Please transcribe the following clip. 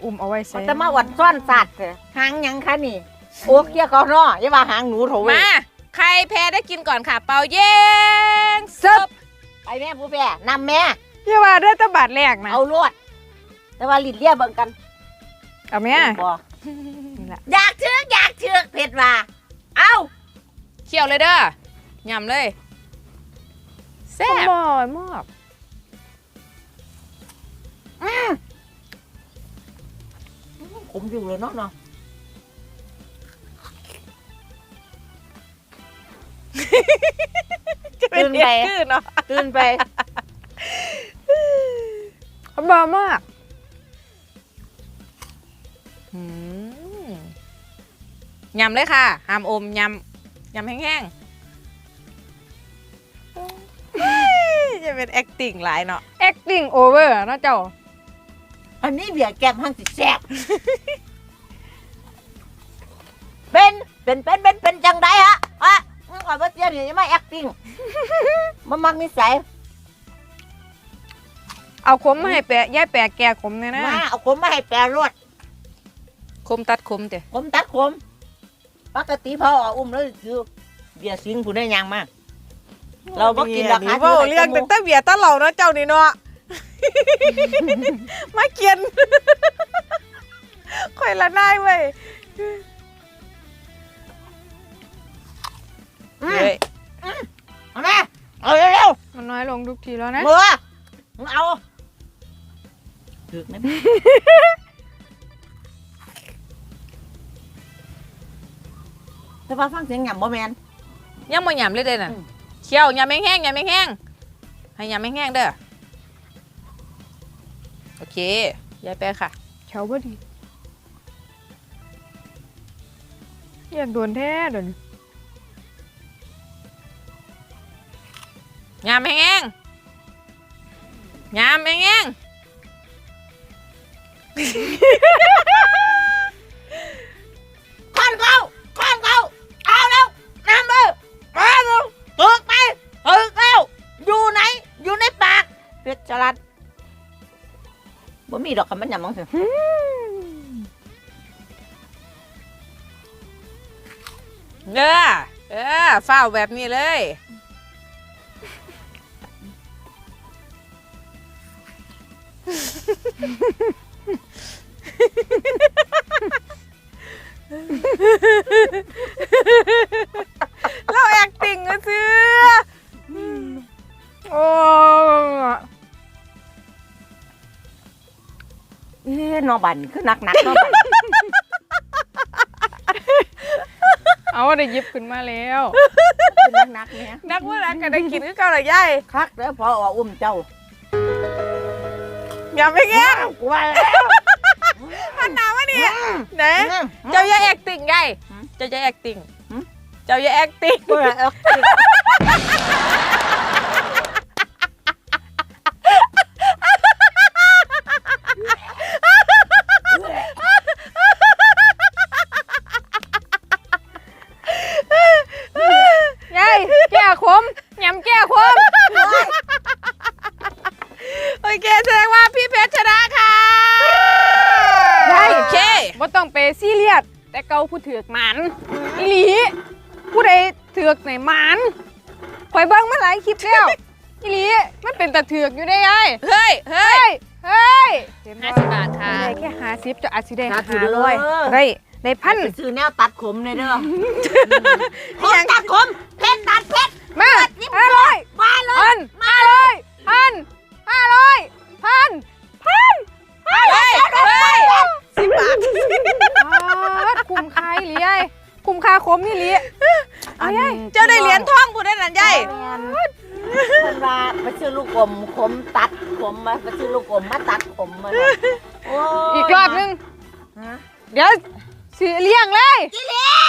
อุ้มเอาไว้ใส่จะมาวัดซ่อนสัตว์หางยังคะนี่โอ้เกี้ยเขาเนาะอย่าว่าหางหนูโถเว้ยมาใครแพ้ได้กินก่อนค่ะ เป่าเย้งซึบไปแม่ผู้แพ้นำแม่อย่าว่าได้ตะบาดแรกนะเอาลวดแต่ว่าลิ้นเลียเบิ่งกันเอาแม่บ่นี่แหละอยากเชือกเผ็ดว่าเอาเคี่ยวเลยเด้อยำเลยแซ่บบ่อยมากผมอยู่เลยเนาะจะเป็นเด็กขึ้นเนาะตื่นไปบ่อยมากยำเลยค่ะห้ามอมยำแห้งๆจะเป็น acting หลายเนาะ acting over เนาะเจ้าอันนี้เบียร์แก้มหังสิแซ่บเป็นจังไดฮะก่อนว่าเตี้ยนี่ยังไม่ acting มันมักนิสัยเอาขมมาให้แปะย่ายแปะแก่ขมเนี่ยนะมาเอาขมมาให้แปรรวดคมตัดคมเด้ขมตัดขมปกติพ่อเอาอุ้มแล้วคือเบียร์สิงผู้ได้ยังมากเราบ่กินราคาเว้าเรื่องตั้งแต่เบียร์ตะเหล่าเนาะเจ้านี่เนาะ มาเกียน ข่อยละนายเว้ยเฮ้ยเอาแม่เอาเร็วมันน้อยลงทุกทีแล้วๆนะมือมึงเอาถึกนะแม่แต่ว่าฟังเสียงหย่ำบ่แมนยังบ่ยำเลยเด้น่ะอืมเคี่ยวยำแห้งๆให้ยำแห้งๆเด้อโอเคยายแปะค่ะเฉาบ่ดีอยากโดนแท้เดี๋ยวนี้ยำแห้งๆยำแห้งข้อนเขาเอาแล้วน้ำเลยมาเร็วถึกไปถึกแล้วอยู่ไหนอยู่ในปากเพชรจรัสบ่มีดอกคำมันหย่ำมั้งสิๆฝ้าวแบบนี้เลย เรา acting ก็ซื้อโอ้นอบันคือหนักนอบันเอาได้หยิบขึ้นมาแล้วคือหนักเนี่ยนักว่านักก็ได้กินคือเก่าหลายยายคักแล้วพอออุ้มเจ้าอย่าไปแง่กลัวแล้วมันหนาววะเนี่ยไหนเจ้าอย่า acting ยายเจ้าอย่า acting เจ้าอย่า acting เบื่อเอายายแก้ขมยำแก้ขมโอเคแสดงว่าพี่เพชรชนะค่ะโอเคบ่ต้องไปซีเรียสแต่เกาผู้ถือกหมันอีหลีผู้ใดถือกไหนหมันข่อยเบิ่งมาหลายคลิปแล้วอีหลีมันเป็นตะถือกอยู่ได้ยายเฮ้ยเฮ้ยเห็นบ่ 50 บาทค่ะได้แค่50จะอาจสิได้500ได้พันไปซื้อแนวตัดขมเลยเด้อขมตัดขมเพชรตัดเพชรมา500 มาเลยพัน500พัน500พันเฮ้ย 10 บาทคุ้มค่าอีหลียายคุ้มค่าขมอีหลีเอายายเจ้าได้เหรียญทองผู้ได้นั่นยายเพิ่นว่าไปซื้อลูกอมขมตัดขมมาไปซื้อลูกอมมาตัดขมมาโอ้อีกรอบนึงฮะเดี๋ยวสิเลี้ยงเลยกิเลี้ย